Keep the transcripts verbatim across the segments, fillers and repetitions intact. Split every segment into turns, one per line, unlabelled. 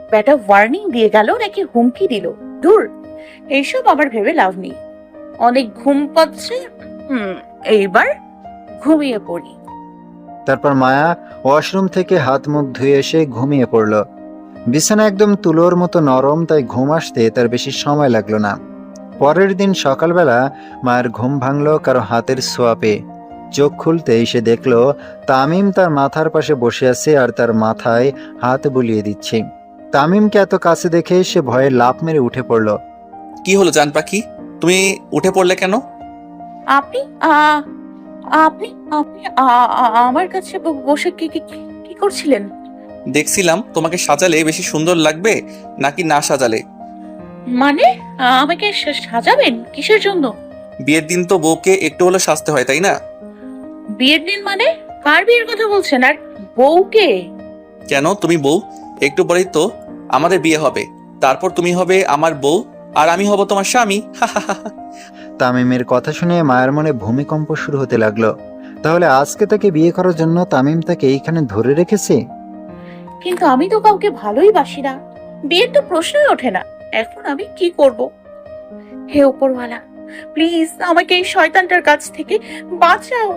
ব্যাটা ওয়ার্নিং দিয়ে গেল নাকি হুমকি দিল? দূর, এইসব আবার ভেবে লাভ নেই। অনেক ঘুম পাচ্ছে, হুম এইবার ঘুমিয়ে পড়ি।
তারপর মায়া ওয়াশরুম থেকে হাত মুখ ধুয়ে এসে ঘুমিয়ে পড়ল। বিছানা একদম তুলোর মতো নরম, তাই ঘুম আসতে তার বেশি সময় লাগলো না। পরের দিন সকালবেলা মায়ের ঘুম ভাঙল কারো হাতের ছোঁয়া পেয়ে। চোখ খুলতেই সে দেখল তামিম তার মাথার পাশে বসে আছে আর তার মাথায় হাত বুলিয়ে দিচ্ছে। তামিমকে এত কাছে দেখে সে ভয়ে লাফ মেরে উঠে পড়ল।
কি হলো জান পাখি, তুমি উঠে পড়লে কেন?
আপনি আ আপনি আপনি আ- আ- আমার কাছে ব- বসে কি কি কি করছিলেন?
দেখছিলাম তোমাকে সাজালে বেশি সুন্দর লাগবে নাকি না সাজালে।
মানে আমাকে সা- সাজাবেন কিসের জন্য?
বিয়ের দিন তো বউকে একটু হলে সাজতে হয়, তাই না?
বিয়ের দিন মানে? কার বিয়ের কথা বলছেন? আর বউকে?
কেন, তুমি বউ? একটু পরেই তো আমাদের বিয়ে হবে, তারপর তুমি হবে আমার বউ আর আমি হব তোমার স্বামী।
তামিমের কথা শুনে মায়ের মনে ভূমিকম্প শুরু হতে লাগলো। তাহলে আজকে তাকে বিয়ে করার জন্য তামিম তাকে এইখানে ধরে রেখেছে?
কিন্তু আমি তো কাউকে ভালোই বাসি না, বিয়ের তো প্রশ্নই ওঠে না। এখন আমি কি করব? হে উপরওয়ালা, প্লিজ আমাকে এই শয়তানটার কাছ থেকে বাঁচাও।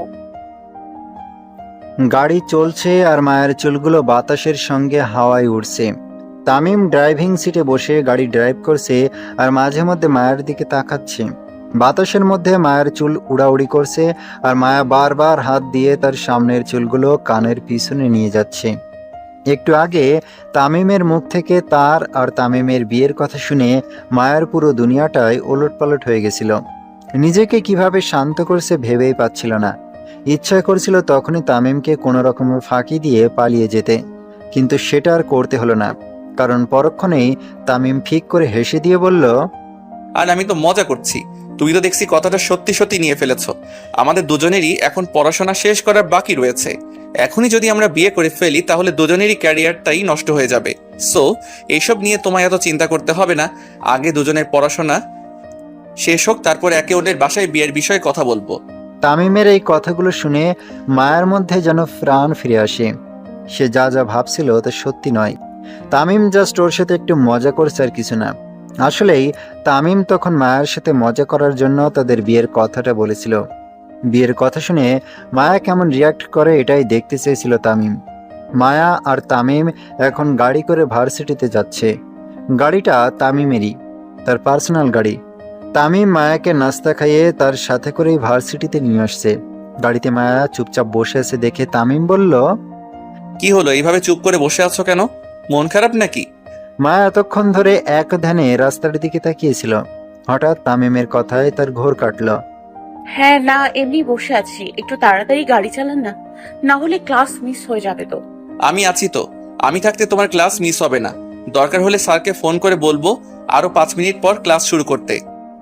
গাড়ি চলছে আর মায়ের চুলগুলো বাতাসের সঙ্গে হাওয়ায় উড়ছে। তামিম ড্রাইভিং সিটে বসে গাড়ি ড্রাইভ করছে আর মাঝে মধ্যে মায়ের দিকে তাকাচ্ছে। বাতাসের মধ্যে মায়ের চুল উড়াউড়ি করছে আর মায়া বারবার হাত দিয়ে তার সামনের চুলগুলো কানের পিছনে নিয়ে যাচ্ছে। একটু আগে তামিমের মুখ থেকে তার আর তামিমের বিয়ের কথা শুনে মায়ের পুরো দুনিয়াটাই ওলটপালট হয়ে গেছিল। নিজেকে কিভাবে শান্ত করছে ভেবেই পাচ্ছিল না। ইচ্ছা করছিল তখনই তামিমকে কোনো রকমের ফাঁকি দিয়ে পালিয়ে যেতে, কিন্তু সেটা আর করতে হলো না, কারণ পরক্ষণেই তামিম ফিক করে হেসে দিয়ে বলল,
আর আমি তো মজা করছি, তুমি তো দেখছি কথাটা সত্যি সত্যি নিয়ে ফেলেছ। আমাদের দুজনেরই এখন পড়াশোনা শেষ করার বাকি রয়েছে। এখনই যদি আমরা বিয়ে করে ফেলি তাহলে দুজনেরই ক্যারিয়ারটাই নষ্ট হয়ে যাবে। সো এইসব নিয়ে তোমায় এত চিন্তা করতে হবে না। আগে দুজনের পড়াশোনা শেষ হোক, তারপর একে অন্যের বাসায় বিয়ের বিষয়ে কথা বলবো।
তামিমের এই কথাগুলো শুনে মায়ের মধ্যে যেন প্রাণ ফিরে আসে। সে যা যা ভাবছিল তা সত্যি নয়। তামিম জাস্ট ওর সাথে একটু মজা করছে আর কিছু না। আসলেই তামিম তখন মায়ের সাথে মজা করার জন্য তাদের বিয়ের কথাটা বলেছিল। বিয়ের কথা শুনে মায়া কেমন রিয়াক্ট করে এটাই দেখতে চেয়েছিল তামিম। মায়া আর তামিম এখন গাড়ি করে ভার্সিটিতে যাচ্ছে। গাড়িটা তামিমেরই, তার পার্সোনাল গাড়ি। তামিম মায়াকে নাস্তা খাইয়ে তার সাথে করেই ভার্সিটিতে নিয়ে আসছে। গাড়িতে মায়া চুপচাপ বসে আছে দেখে তামিম বলল,
কি হলো, এইভাবে চুপ করে বসে আছো কেন? মন খারাপ নাকি?
মায়া এতক্ষণ ধরে এক ধ্যানে রাস্তার দিকে তাকিয়েছিল। হঠাৎ তামিমের কথায় তার ঘোর কাটল।
হ্যাঁ না, এমনি বসে আছি। একটু তাড়াতাড়ি গাড়ি চালান না, না হলে ক্লাস মিস হয়ে যাবে তো।
আমি আছি তো, আমি থাকতে তোমার ক্লাস মিস হবে না। দরকার হলে স্যারকে ফোন করে বলবো আরো পাঁচ মিনিট পর ক্লাস শুরু করতে।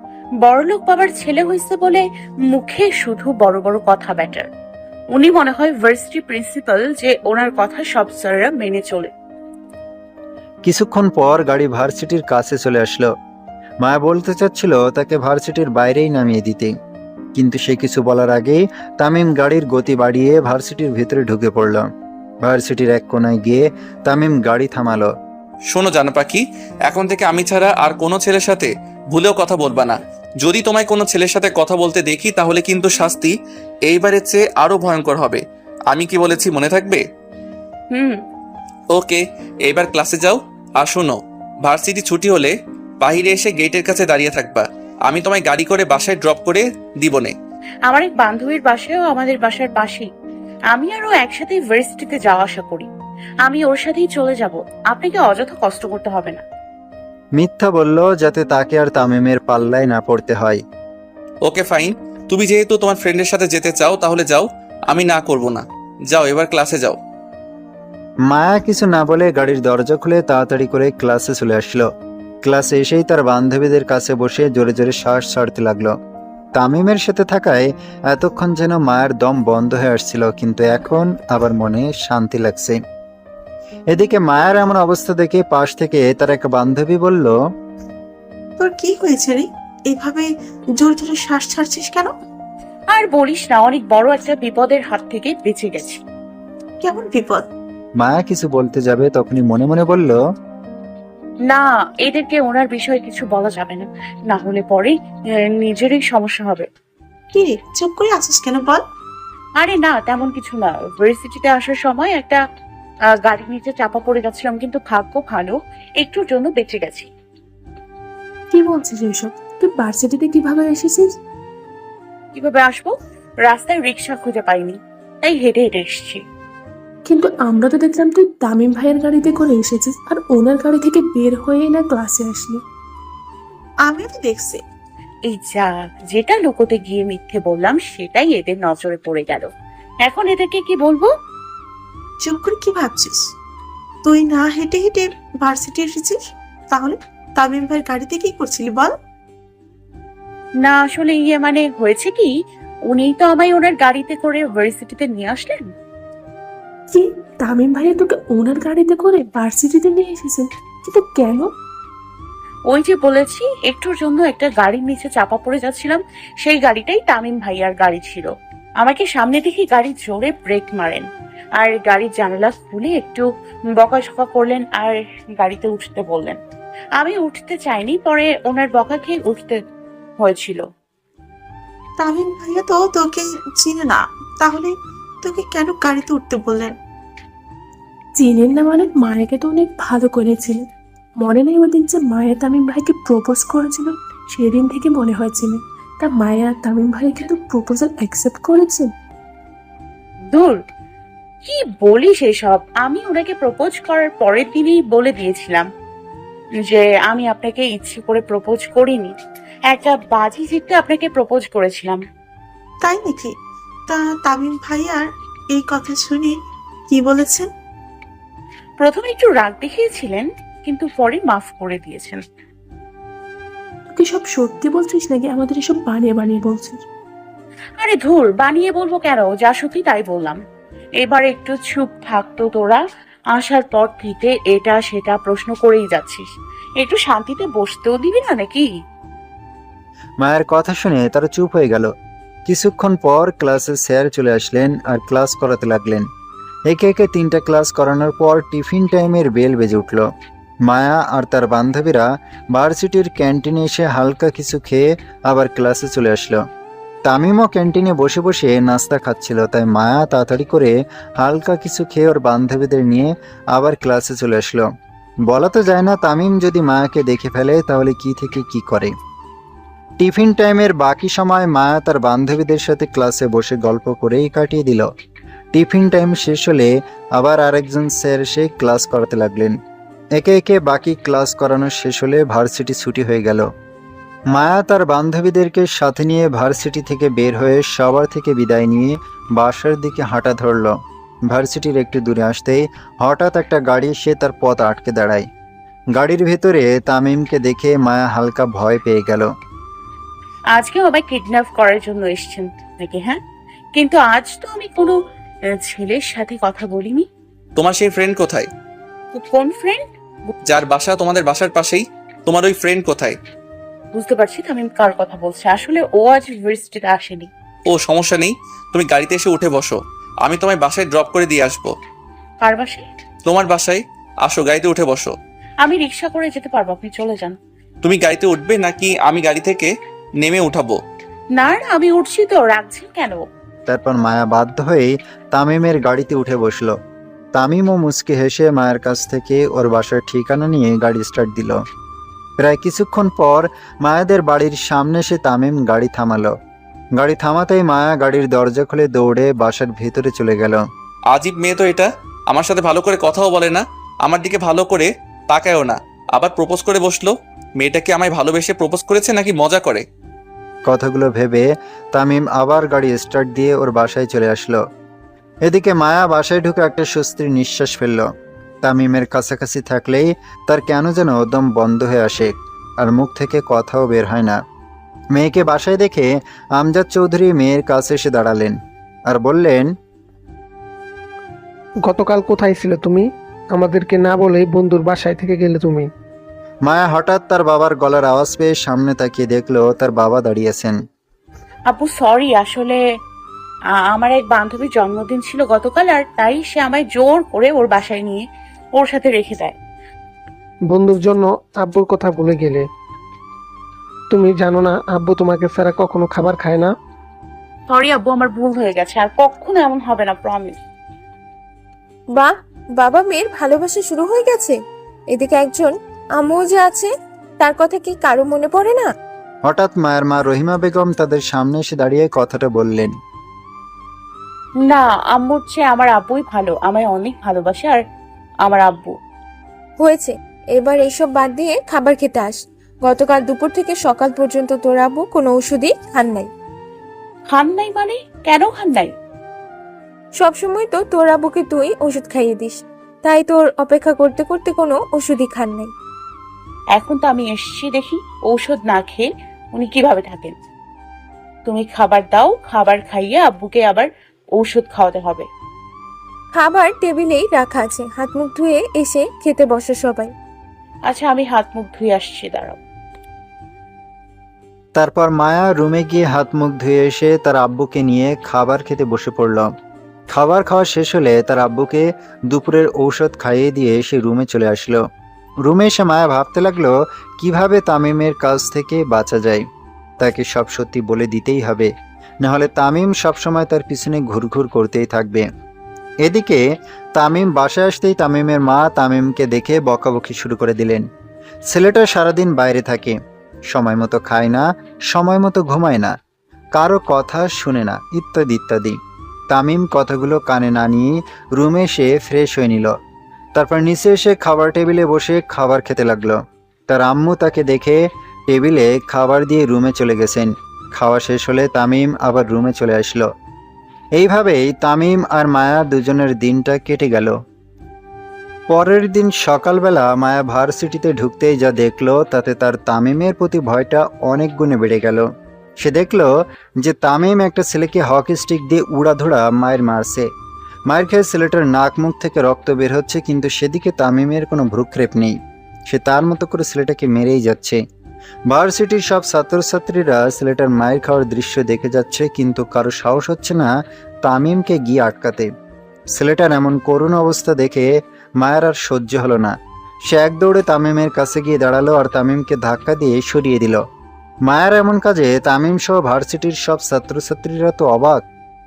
বড়লোক বাবার ছেলে হয়েছে বলে মুখে শুধু বড় বড় কথা ব্যাটার। উনি মনে হয় ভার্সিটি প্রিন্সিপাল যে ওনার কথা সব স্যাররা মেনে চলে।
কিছুক্ষণ পর গাড়ি ভার্সিটির কাছে চলে আসলো। মায়া বলতে চাচ্ছিল তাকে ভার্সিটির বাইরেই নামিয়ে দিতে, কিন্তু সে কিছু বলার আগেই তামিম গাড়ির গতি বাড়িয়ে ভার্সিটির ভিতরে ঢুকে পড়ল। ভার্সিটির এক কোনায় গিয়ে তামিম গাড়ি থামালো।
শোনো জানো পাখি, এখন থেকে আমি ছাড়া আর কোনো ছেলের সাথে ভুলেও কথা বলবা না। যদি তোমায় কোনো ছেলের সাথে কথা বলতে দেখি তাহলে কিন্তু শাস্তি এইবারের চেয়ে আরো ভয়ঙ্কর হবে। আমি কি বলেছি মনে থাকবে?
হুম।
ওকে, এইবার ক্লাসে যাও। আর শোনো, ভার্সিটি ছুটি হলে বাইরে এসে গেটের কাছে দাঁড়িয়ে থাকবা। আমি তোমায় গাড়ি করে বাসায় ড্রপ করে দিবনে।
আমার এক বান্ধবীর বাসায়ও আমাদের বাসার পাশেই। আমি আর ও একসাথে ভার্সিটিতে যাওয়া আসা করি। আমি ওর সাথেই চলে যাব, আপনাকে অযথা কষ্ট করতে হবে না।
মিথ্যা বলল যাতে তাকে আর তামিমের পাল্লায় না পড়তে হয়।
ওকে ফাইন, তুমি যেহেতু তোমার ফ্রেন্ডের সাথে যেতে চাও তাহলে যাও, আমি না করব না। যাও, এবার ক্লাসে যাও।
মায়া কিছু না বলে গাড়ির দরজা খুলে তাড়াতাড়ি করে ক্লাসে চলে আসলো। ক্লাসে এসেই তার বান্ধবীদের কাছে বসে জোরে জোরে শ্বাস ছাড়তে লাগলো। তামিমের সাথে থাকায় এতক্ষণ যেন মায়ের দম বন্ধ হয়ে আসছিল, কিন্তু এখন আবার মনে শান্তি লাগছে। এদিকে মায়ের এমন অবস্থা দেখে পাশ থেকে তার এক বান্ধবী বলল,
তোর কি হয়েছে রে? এভাবে জোরে জোরে শ্বাস ছাড়ছিস কেন?
আর বলিস না, অনেক বড় একটা বিপদের হাত থেকে বেঁচে গেছি।
কেমন বিপদ?
মায়া কিছু বলতে যাবে তখনই মনে মনে বলল,
না, এদেরকে ওনার বিষয়ে কিছু বলা যাবে না, না হলে পরে আহ, নিজেরই সমস্যা হবে।
কি রে, চুপ করে আছিস কেন বল?
আরে না, তেমন কিছু না। ভার্সিটিতে আসার সময় একটা আহ, গাড়ির নিচে চাপা পড়ে গেছিলাম, কিন্তু ভাগ্য ভালো, একটুর জন্য বেঁচে গেছি।
কি বলছিস এসব? তুই ভার্সিটিতে কিভাবে এসেছিস?
কিভাবে আসবো? রাস্তায় রিক্সা খুঁজে পাইনি, তাই হেঁটে হেঁটে এসেছি।
কিন্তু আমরা তো দেখলাম তুই তামিম ভাইয়ের গাড়িতে করে এসেছিস, আর ওনার গাড়ি থেকে বের হয়ে না ক্লাসে আসলি।
আমিও তো দেখছি।
এই যা, যেটা লুকোতে গিয়ে মিথ্যে বললাম সেটাই এদের নজরে পড়ে গেল। এখন এদেরকে কি বলবো?
চুপ করে কি ভাবছিস? তুই না হেঁটে হেঁটে ভার্সিটি এসেছিস, তাহলে তামিম ভাইয়ের গাড়িতে কি করছিলি বল?
না আসলে ইয়ে মানে হয়েছে কি, উনিই তো আমায় ওনার গাড়িতে করে ভার্সিটিতে নিয়ে আসলেন।
কি, তামিম ভাইয়া তোকে ওনার গাড়িতে করে ভার্সিটিতে নিয়ে এসেছেন? কিন্তু কেন?
ওই যে বলেছি, একটুর জন্য একটা গাড়ির নিচে চাপা পড়ে যাচ্ছিলাম, সেই গাড়িটাই তামিম ভাইয়ার গাড়ি ছিল। আমাকে সামনে থেকে গাড়ি জোরে ব্রেক মারেন, আর গাড়ির জানালা খুলে একটু বকাঝকা করলেন আর গাড়িতে উঠতে বললেন। আমি উঠতে চাইনি, পরে ওনার বকা খেয়ে উঠতে হয়েছিল।
তামিম ভাইয়া তো তোকে চিনে না, তাহলে তোকে কেন গাড়িতে উঠতে বললেন?
চিনেন না মানে? মায়াকে তো অনেক ভালো করেছিলেন। মনে নেই ওই দিন যে মায়া তামিম ভাইকে প্রপোজ করেছিল? সেদিন থেকে মনে হয় চিনেন। তা মায়া আর তামিম ভাই কিন্তু প্রপোজাল অ্যাকসেপ্ট করেছেন।
দূর, কি বলিস এসব? আমি ওনাকে প্রপোজ করার পরের দিনই বলে দিয়েছিলাম যে আমি আপনাকে ইচ্ছে করে প্রপোজ করিনি, একটা বাজি জিততে আপনাকে প্রপোজ করেছিলাম।
তাই নাকি? তা তামিম ভাইয়ার এই কথা শুনে কি বলেছেন?
প্রথমে একটু রাগ দেখিয়েছিলেন, কিন্তু পরে মাফ করে দিয়েছেন।
তুই সব সত্যি বলছিস নাকি আমাদের এসব বানিয়ে বানিয়ে বলছিস?
আরে ধুর, বানিয়ে বলবো কেন, যা সত্যি তাই বললাম। এবার একটু চুপ থাকতো তোরা, আসার পর থেকে এটা সেটা প্রশ্ন করেই যাচ্ছিস, একটু শান্তিতে বসতেও দিবি না নাকি?
মায়ের কথা শুনে তারা চুপ হয়ে গেল। কিছুক্ষণ পর ক্লাসে স্যার চলে আসলেন আর ক্লাস করাতে লাগলেন। একে একে তিনটা ক্লাস করানোর পর টিফিন টাইমের বেল বেজে উঠল। মায়া আর তার বান্ধবীরা ভার্সিটির ক্যান্টিনে এসে হালকা কিছু খেয়ে আবার ক্লাসে চলে আসলো। তামিমও ক্যান্টিনে বসে বসে নাস্তা খাচ্ছিল, তাই মায়া তাড়াতাড়ি করে হালকা কিছু খেয়ে ওর বান্ধবীদের নিয়ে আবার ক্লাসে চলে আসলো। বলা তো যায় না, তামিম যদি মায়াকে দেখে ফেলে তাহলে কি থেকে কি করে। টিফিন টাইমের বাকি সময় মায়া তার বান্ধবীদের সাথে ক্লাসে বসে গল্প করেই কাটিয়ে দিল। টিফিন টাইম শেষ হলে আবার আরেকজন স্যার এসে ক্লাস করাতে লাগলেন। একে একে বাকি ক্লাস করানো শেষ হলে ভার্সিটি ছুটি হয়ে গেল। মায়া তার বান্ধবীদেরকে সাথে নিয়ে ভার্সিটি থেকে বের হয়ে সবার থেকে বিদায় নিয়ে বাসার দিকে হাঁটা ধরল। ভার্সিটির একটু দূরে আসতেই হঠাৎ একটা গাড়ি এসে তার পথ আটকে দাঁড়ায়। গাড়ির ভেতরে তামিমকে দেখে মায়া হালকা ভয় পেয়ে গেল।
আজকেও আমায় কিডন্যাপ করার জন্য এসেছেন নাকি? হ্যাঁ, কিন্তু আজ তো আমি কোনো আহ, ছেলের সাথে কথা বলিনি।
তোমার সেই ফ্রেন্ড কোথায়?
কোন ফ্রেন্ড?
যার বাসা তোমাদের বাসার পাশেই, তোমার ওই ফ্রেন্ড কোথায়?
বুঝতে পারছি আমি কার কথা বলছি, আসলে ও আজ ইউনিভার্সিটিতে আসেনি।
ও সমস্যা নেই, তুমি গাড়িতে এসে উঠে বসো, আমি তোমায় বাসায় ড্রপ করে দিয়ে আসবো।
কার বাসায়?
তোমার বাসায় আসো, গাড়িতে উঠে বসো।
আমি রিক্সা করে যেতে পারবো, আপনি চলে যান।
তুমি গাড়িতে উঠবে নাকি আমি গাড়ি থেকে নেমে উঠাবো?
না না, আমি উঠছি তো, রাখছেন কেন?
তারপর মায়া বাধ্য হয়ে তামিমের গাড়িতে উঠে বসলো। তামিমও মুচকি হেসে মায়ের কাছ থেকে ওর বাসার ঠিকানা নিয়ে গাড়ি স্টার্ট দিল। প্রায় কিছুক্ষণ পর মায়াদের বাড়ির সামনে এসে তামিম গাড়ি থামালো। গাড়ি থামাতেই মায়া গাড়ির দরজা খুলে দৌড়ে বাসার ভেতরে চলে গেল।
আজীব মেয়ে তো এটা, আমার সাথে ভালো করে কথাও বলে না, আমার দিকে ভালো করে তাকায়ও না, আবার প্রপোজ করে বসলো। মেয়েটা কি আমায় ভালোবেসে প্রপোজ করেছে নাকি মজা করে?
কথাগুলো ভেবে তামিম আবার গাড়ি স্টার্ট দিয়ে ওর বাসায় চলে আসলো। এদিকে মায়া বাসায় ঢুকে একটা স্বস্তির নিঃশ্বাস ফেলল। তামিমের কাছাকাছি থাকলেই তার কেন যেন দম বন্ধ হয়ে আসে, আর মুখ থেকে কথাও বের হয় না। মেয়েকে বাসায় দেখে আমজাদ চৌধুরী মেয়ের কাছে এসে দাঁড়ালেন আর বললেন,
গতকাল কোথায় ছিলে তুমি? আমাদেরকে না বলে বন্ধুর বাসায় থেকে গেলে তুমি।
মায়া হঠাৎ তার বাবার গলার আওয়াজ পেয়ে সামনে তাকিয়ে দেখলো তার বাবা দাঁড়িয়েছেন।
আপু সরি, আসলে আ- আমার এক বান্ধবীর জন্মদিন ছিল গতকাল, আর তাই সে আমায় জোর করে ওর বাসায় নিয়ে ওর সাথে রেখে দেয়।
বন্ধুর জন্য আব্বুর কথা ভুলে গেলে। তুমি জানো না আব্বু তোমাকে ছাড়া কখনো খাবার খায় না?
সরি আব্বু, আমার ভুল হয়ে গেছে, আর কখনো এমন হবে না, প্রমিস।
বাহ, বাবা মেয়ের ভালোবাসা শুরু হয়ে গেছে। এদিকে একজন আম্মু যে আছে, তার কথা কি কারো মনে পড়ে না?
হঠাৎ মায়ের মা রহিমা বেগম তাদের সামনে এসে দাঁড়িয়ে কথাটা বললেন।
না, আম্মুর চেয়ে আমার আব্বুই ভালো, আমায় অনেক ভালোবাসে। আর আমার আব্বু
হয়েছে, এবার এইসব বাদ দিয়ে খাবার খেতে আস। গতকাল দুপুর থেকে সকাল পর্যন্ত তোর আব্বু কোনো ওষুধই খান নাই।
খান নাই মানে? কেন খান নাই?
সবসময় তো তোর আব্বুকে তুই ওষুধ খাইয়ে দিস, তাই তোর অপেক্ষা করতে করতে কোনো ওষুধই খান নাই।
এখন তো আমি এসেছি দেখি ঔষধ না খেয়ে উনি কিভাবে থাকেন। তুমি খাবার দাও, খাবার খাইয়ে আব্বুকে আবার ঔষধ খাওয়াতে হবে।
খাবার টেবিলেই রাখা আছে, হাত মুখ ধুয়ে এসে খেতে বসো সবাই।
আচ্ছা, আমি হাত মুখ ধুয়ে আসছি, দাঁড়াও।
তারপর মায়া রুমে গিয়ে হাত মুখ ধুয়ে এসে তার আব্বুকে নিয়ে খাবার খেতে বসে পড়ল। খাবার খাওয়া শেষ হলে তার আব্বুকে দুপুরের ঔষধ খাইয়ে দিয়ে সে রুমে চলে আসলো। রুমে এসে মায়া ভাবতে লাগলো কিভাবে তামিমের কাছ থেকে বাঁচা যায়। তাকে সব সত্যি বলে দিতেই হবে, নাহলে তামিম সবসময় তার পিছনে ঘুরঘুর করতেই থাকবে। এদিকে তামিম বাসায় আসতেই তামিমের মা তামিমকে দেখে বকাবকি শুরু করে দিলেন। ছেলেটা সারাদিন বাইরে থাকে, সময় মতো খায় না, সময় মতো ঘুমায় না, কারো কথা শুনে না, ইত্যাদি ইত্যাদি। তামিম কথাগুলো কানে না নিয়ে রুমে এসে ফ্রেশ হয়ে নিল। তারপর নিচে এসে খাবার টেবিলে বসে খাবার খেতে লাগলো। তার আম্মু তাকে দেখে টেবিলে খাবার দিয়ে রুমে চলে গেছেন। খাওয়া শেষ হলে তামিম আবার রুমে চলে আসলো। এইভাবেই তামিম আর মায়া দুজনের দিনটা কেটে গেল। পরের দিন সকালবেলা মায়া ভার্সিটিতে ঢুকতেই যা দেখলো তাতে তার তামিমের প্রতি ভয়টা অনেক গুণে বেড়ে গেল। সে দেখলো যে তামিম একটা ছেলেকে হকি স্টিক দিয়ে উড়াধুরা মায়ের মারছে। মায়ের খেয়ে ছেলেটার নাক মুখ থেকে রক্ত বের হচ্ছে, কিন্তু সেদিকে তামিমের কোনো ভ্রুক্ষেপ নেই। সে তার মতো করে ছেলেটাকে মেরেই যাচ্ছে। ভার্সিটির সব ছাত্রছাত্রীরা ছেলেটার মায়ের খাওয়ার দৃশ্য দেখে যাচ্ছে, কিন্তু কারো সাহস হচ্ছে না তামিমকে গিয়ে আটকাতে। ছেলেটার এমন করুণ অবস্থা দেখে মায়ের আর সহ্য হলো না। সে এক দৌড়ে তামিমের কাছে গিয়ে দাঁড়ালো আর তামিমকে ধাক্কা দিয়ে সরিয়ে দিল। মায়ের এমন কাজে তামিম সহ ভার্সিটির সব ছাত্রছাত্রীরা তো অবাক।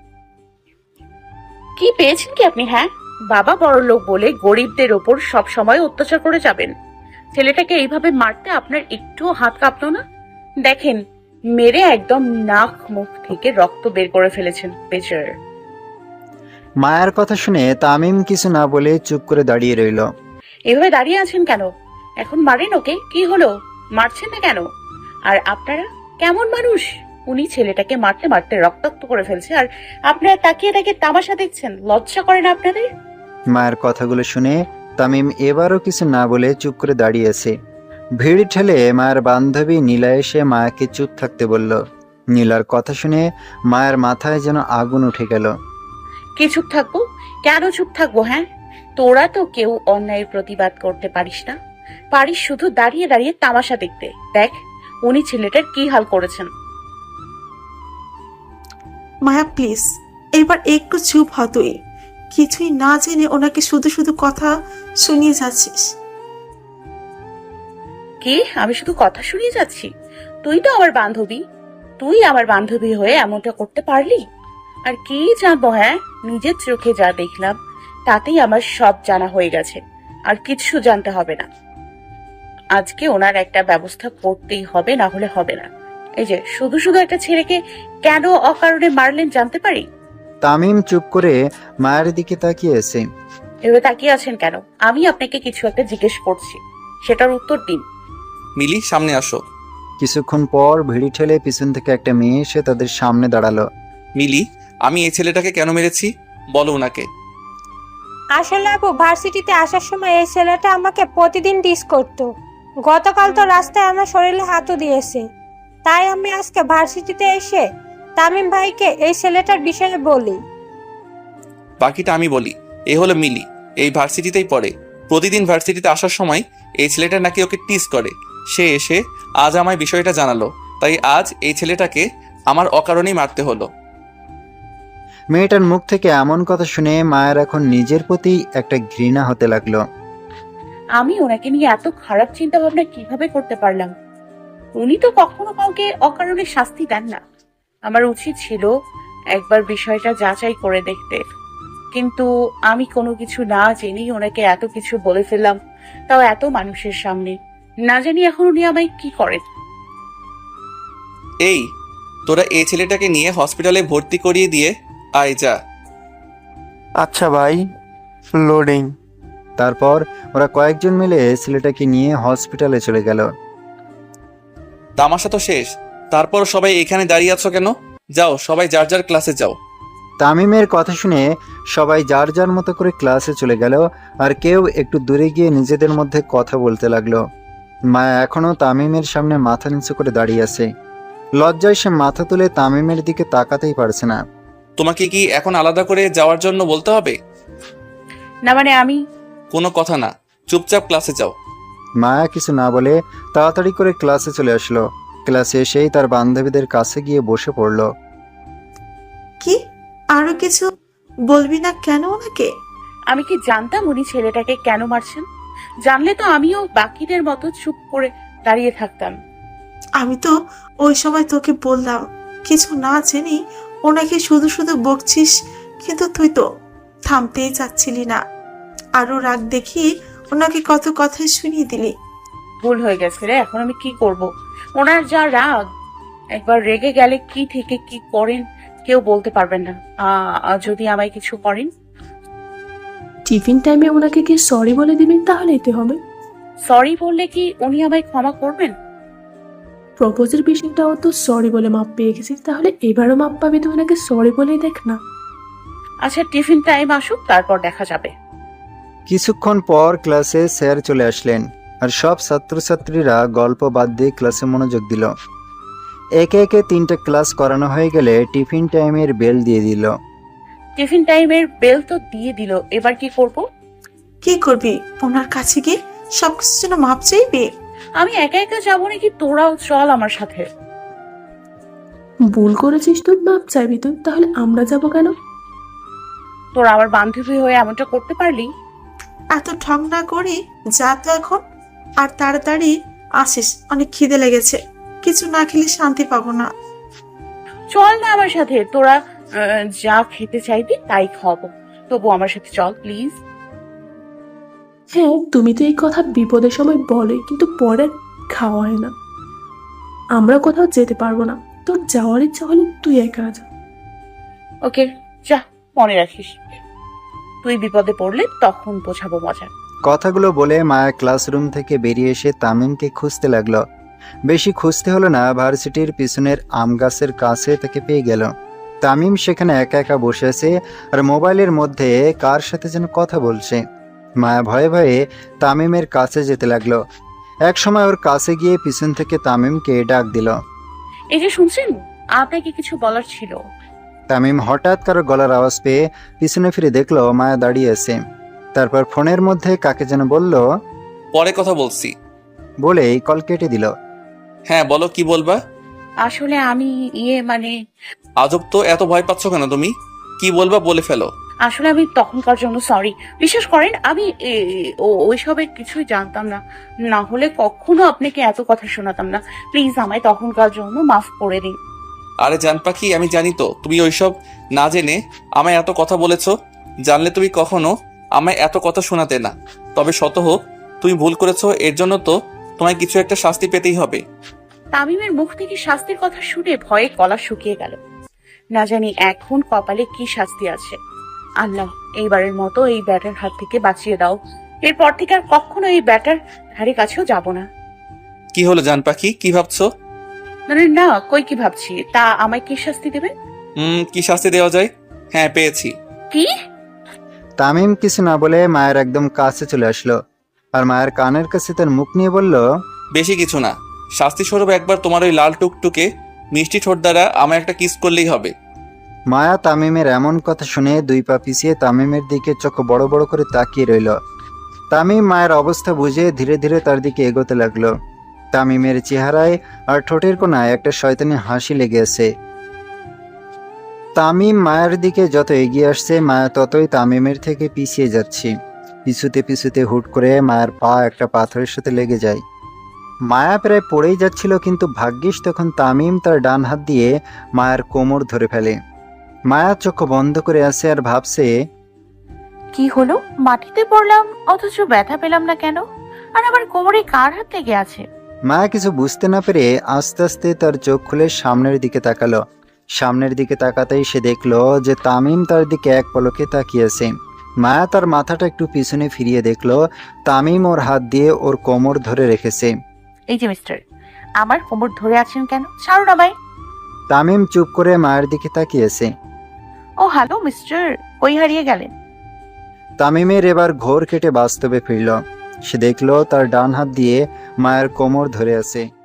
কি পেয়েছেন কি আপনি? হ্যাঁ, বাবা বড় লোক বলে গরিবদের ওপর সব সময় অত্যাচার করে যাবেন। ছেলেটাকে এইভাবে মারতে আপনার একটুও হাত কাঁপতো না? দেখেন, মেরে একদম নাক মুখ থেকে রক্ত বের করে ফেলেছেন বেচার।
মায়ের কথা শুনে তামিম কিছু না বলে চুপ করে দাঁড়িয়ে রইল।
এভাবে দাঁড়িয়ে আছেন কেন? এখন মারেন ওকে, কি হলো? মারছেন না কেন? আর আপনারা কেমন মানুষ? উনি ছেলেটাকে মারতে মারতে রক্তাক্ত করে ফেলছে, আর আপনারা তাকিয়ে তাকিয়ে তামাশা দেখছেন। লজ্জা করে না আপনাদের?
মায়ের কথাগুলো শুনে তামিম এবারও কিছু না বলে চুপ করে দাঁড়িয়ে আছে। ভিড় ঠেলে মায়ের বান্ধবী নীলা এসে মায়াকে চুপ থাকতে বলল। নীলার কথা শুনে মায়ের মাথায় যেন আগুন উঠে গেল।
কি চুপ থাকবো? কেন চুপ থাকবো? হ্যাঁ, তোরা তো কেউ অন্যায়ের প্রতিবাদ করতে পারিস না, পারিস শুধু দাঁড়িয়ে দাঁড়িয়ে তামাশা দেখতে। দেখ উনি ছেলেটার কি হাল করেছেন।
মায়া প্লিজ, এবার একটু চুপ হ। তুই কিছুই না জেনে ওনাকে শুধু শুধু কথা শুনিয়ে যাচ্ছিস।
কি? আমি শুধু কথা শুনিয়ে যাচ্ছি? তুই তো আমার বান্ধবী, তুই আমার বান্ধবী হয়ে এমনটা করতে পারলি? আর কি জানবো? হ্যাঁ, নিজের চোখে যা দেখলাম তাতেই আমার সব জানা হয়ে গেছে, আর কিছু জানতে হবে না। আজকে ওনার একটা ব্যবস্থা করতেই হবে, না হলে হবে না। এই যে শুধু শুধু একটা ছেলেকে কেন অকারণে মারলেন জানতে পারি?
তামিম চুপ করে মায়ের দিকে তাকিয়ে আছে।
এভাবে তাকিয়ে আছেন কেন? আমি আপনাকে কিছু একটা জিজ্ঞেস করছি, সেটার উত্তর দিন।
মিলি, সামনে আসো।
কিছুক্ষণ পর ভিড়ি ঠেলে পিছন থেকে একটা মেয়ে এসে তাদের সামনে দাঁড়ালো।
মিলি, আমি এই ছেলেটাকে কেন মেরেছি বলো ওনাকে।
আসলে আপু, ভার্সিটিতে আসার সময় এই ছেলেটা আমাকে প্রতিদিন ডিস করতো। গতকাল তো রাস্তায় আমার শরীরে হাতও দিয়েছে, তাই আমি আজকে ভার্সিটিতে এসে তামিম ভাইকে এই ছেলেটার বিষয়ে বলি।
বাকিটা আমি বলি। এ হলো মিলি, এই ভার্সিটিতেই পড়ে। প্রতিদিন ভার্সিটিতে আসার সময় এই ছেলেটা নাকি ওকে টিস করে। সে এসে আজ আমায় বিষয়টা জানালো, তাই আজ এই ছেলেটাকে আমার অকারণেই মারতে হলো।
মেয়েটার মুখ থেকে এমন কথা শুনে মায়ের এখন নিজের প্রতি একটা ঘৃণা হতে লাগলো।
আমি ওনাকে নিয়ে এত খারাপ চিন্তা ভাবনা কিভাবে করতে পারলাম? উনি তো কখনো কাউকে অকারণে শাস্তি দেন না। আমার উচিত ছিল একবার বিষয়টা যাচাই করে দেখতে, কিন্তু আমি কোনো কিছু না জেনেই ওনাকে এত কিছু বলে ফেললাম, তাও এত মানুষের সামনে। না জানি এখন উনি আমায় কি করেন।
এই, তোরা এই ছেলেটাকে নিয়ে হসপিটালে ভর্তি করিয়ে দিয়ে আয় যা।
আচ্ছা ভাই, লোডিং।
তারপর ওরা কয়েকজন মিলে ছেলেটাকে নিয়ে হসপিটালে চলে গেল।
তামাশা তো শেষ, তারপর সবাই এখানে দাঁড়িয়ে আছো কেন? যাও সবাই যার যার ক্লাসে যাও।
তামিমের কথা শুনে সবাই যার যার মতো করে ক্লাসে চলে গেল, আর কেউ একটু দূরে গিয়ে নিজেদের মধ্যে কথা বলতে লাগলো। মায়া এখনো তামিমের সামনে মাথা নিচু করে দাঁড়িয়ে আছে। লজ্জায় সে মাথা তুলে তামিমের দিকে তাকাতেই পারছে না।
তোমাকে কি এখন আলাদা করে যাওয়ার জন্য বলতে হবে?
না মানে আমি
কোনো কথা না, চুপচাপ ক্লাসে যাও।
মায়া কিছু না বলে তাড়াতাড়ি করে ক্লাসে চলে আসলো। ক্লাসে এসেই তার বান্ধবীদের কাছে গিয়ে বসে পড়ল।
কি আরো কিছু বলবি না কেন ওনাকে?
আমি কি জানতাম উনি ছেলেটাকে কেন মারছেন? জানলে তো আমিও বাকিদের মতো চুপ করে দাঁড়িয়ে থাকতাম।
আমি তো ওই সময় তোকে বললাম কিছু না জেনে ওনাকে শুধু শুধু বকছিস, কিন্তু তুই তো থামতেই চাচ্ছিলি না। আরো রাগ দেখি ওনাকে কত কথাই শুনিয়ে দিলি।
ভুল হয়ে গেছে রে, এখন আমি কি করব? ওনার যা রাগ, একবার রেগে গেলে কি থেকে কি করেন কেউ বলতে পারবেন না। আহ যদি আমায় কিছু করেন,
টিফিন টাইমে ওনাকে কি সরি বলে দিবেন, তাহলে এতে হবে।
সরি বললে কি উনি আমায় ক্ষমা করবেন?
প্রপোজের বিষয়টাও তো সরি বলে মাপ পেয়ে গেছি, তাহলে এবারও মাপ পাবি তো ওনাকে সরি বলেই দেখ না।
আচ্ছা টিফিন টাইম আসুক, তারপর দেখা যাবে।
কিছুক্ষণ পর ক্লাসে স্যার চলে আসলেন, আর সব ছাত্রছাত্রীরা গল্প বাদ দিয়ে ক্লাসে মনোযোগ দিল। একে একে তিনটা ক্লাস করানো হয়ে গেলে টিফিন টাইমের বেল দিয়ে দিল।
টিফিন টাইমের বেল তো দিয়ে দিল, এবার কি করব?
কি করবি? ওনার কাছে গিয়ে সবকিছুর জন্য মাপ চাইবি?
আমি একা একা যাবো নাকি? তোরাও চল আমার সাথে।
ভুল করেছিস তুই, মাপ চাইবি তুই, তাহলে আমরা যাব কেন?
তোরা আমার বান্ধবী হয়ে এমনটা করতে পারলি?
এত ঠং না করি যা তো এখন, আর তাড়াতাড়ি আসিস, অনেক খিদে লেগেছে। কিছু না খেলে শান্তি পাবো না।
চল না আমার সাথে, তোরা আহ, যা খেতে চাইবি তাই খাওয়াবো, তবু আমার সাথে চল প্লিজ।
হ্যাঁ, তুমি তো এই কথা বিপদের সময় বলে, কিন্তু পরে খাওয়া হয় না। আমরা কোথাও যেতে পারবো না, তোর যাওয়ার ইচ্ছা হলে তুই একা যা।
ওকে যা, মনে রাখিস তুই বিপদে পড়লে তখন বোঝাবো মজা।
কথাগুলো বলে মায়া ক্লাসরুম থেকে বেরিয়ে এসে তামিমকে খুঁজতে লাগলো। বেশি খুঁজতে হলো না, ভার্সিটির পিছনের আম গাছের কাছে তাকে পেয়ে গেল। তামিম সেখানে একা একা বসে আছে, আর মোবাইলের মধ্যে কার সাথে যেন কথা বলছে। মায়া ভয়ে ভয়ে তামিমের কাছে যেতে লাগলো। এক সময় ওর কাছে গিয়ে পিছন থেকে তামিমকে ডাক দিল।
এই যে শুনছেন, আপনাকে কিছু বলার ছিল।
তামিম হঠাৎ কারো গলার আওয়াজ পেয়ে পিছনে ফিরে দেখলো মায়া দাঁড়িয়ে আছে। তারপর ফোনের মধ্যে কাকে যেন বলল,
পরে কথা বলছি।
বলেই কল কেটে দিল।
হ্যাঁ বলো, কি বলবা?
আসলে আমি ইয়ে মানে
আজব তো, এত ভয় পাচ্ছ কেন তুমি? কি বলবা বলে ফেলো।
আসলে আমি তখনকার জন্য সরি। বিশ্বাস করেন আমি এ- ও- ওইসবের কিছুই জানতাম না, না হলে কখনো আপনাকে এত কথা শোনাতাম না। প্লিজ আমায় তখনকার জন্য মাফ করে দিন।
আরে জান পাখি, আমি জানি তো তুমি ওইসব না জেনে আমায় এত কথা বলেছো। জানলে তুমি কখনো আমায় এত কথা শোনাতে না। তবে শত হোক, তুমি ভুল করেছো, এর জন্য তো তোমায় কিছু একটা শাস্তি পেতেই হবে।
তামিমের মুখ থেকে শাস্তির কথা শুনে ভয়ে গলা শুকিয়ে গেল। না জানি এখন কপালে কি শাস্তি আছে। আল্লাহ, এইবারের মতো এই ব্যাটার হাত থেকে বাঁচিয়ে দাও। এরপর থেকে আর কখনো এই ব্যাটার ধারে কাছেও যাব না।
কি হলো জান পাখি, কি ভাবছো?
মানে না, কই কি ভাবছি, তা আমায় কি শাস্তি দেবেন?
হুম, কি শাস্তি দেওয়া যায়? হ্যাঁ পেয়েছি।
কি?
তামিম কিছু না বলে মায়ের একদম কাছে চলে আসলো, আর মায়ের কানের কাছে তার মুখ নিয়ে বলল,
বেশি কিছু না, শাস্তি স্বরূপ একবার তোমার ওই লাল টুকটুকে মিষ্টি ঠোঁট দ্বারা আমায় একটা কিস করলেই হবে।
মায়া তামিমের এমন কথা শুনে দুই পা পিছিয়ে তামিমের দিকে চোখ বড় বড় করে তাকিয়ে রইল। তামিম মায়ের অবস্থা বুঝে ধীরে ধীরে তার দিকে এগোতে লাগলো। তামিমের চেহারায় আর ঠোঁটের কোণায় একটা শয়তানি হাসি লেগে আছে। তামিম মায়ের দিকে যত এগিয়ে আসছে, মায়া ততই তামিমের থেকে পিছিয়ে যাচ্ছে। পিছুতে পিছুতে হুট করে মায়ের পা একটা পাথরের সাথে লেগে যায়। মায়া প্রায় পড়েই যাচ্ছিল, কিন্তু ভাগ্যিস তখন তামিম তার ডান হাত দিয়ে মায়ের কোমর ধরে ফেলে। মায়া চোখ বন্ধ করে আছে আর ভাবছে,
কি হলো, মাটিতে পড়লাম অথচ ব্যথা পেলাম না কেন? আর আবার কোমরে কার হাত লেগে আছে?
মায়া কিছু বুঝতে না পেরে আস্তে আস্তে তার চোখ খুলে সামনের দিকে তাকালো। সামনের দিকে তাকাতেই সে দেখলো যে তামিম তার দিকে এক পলকে তাকিয়েছে। মায়া তার মাথাটা একটু পিছনে ফিরিয়ে দেখলো তামিম ওর হাত দিয়ে ওর কোমর ধরে রেখেছে।
এই যে মিস্টার, আমার কোমর ধরে আছেন কেন? ছাড়ুন আমায়।
তামিম চুপ করে মায়ের দিকে তাকিয়েছে।
ও হ্যালো মিস্টার, কই হারিয়ে গেলেন?
তামিমের এবার ঘোর কেটে বাস্তবে ফিরল। সে দেখলো তার ডান হাত দিয়ে মায়ের কোমর ধরে আছে।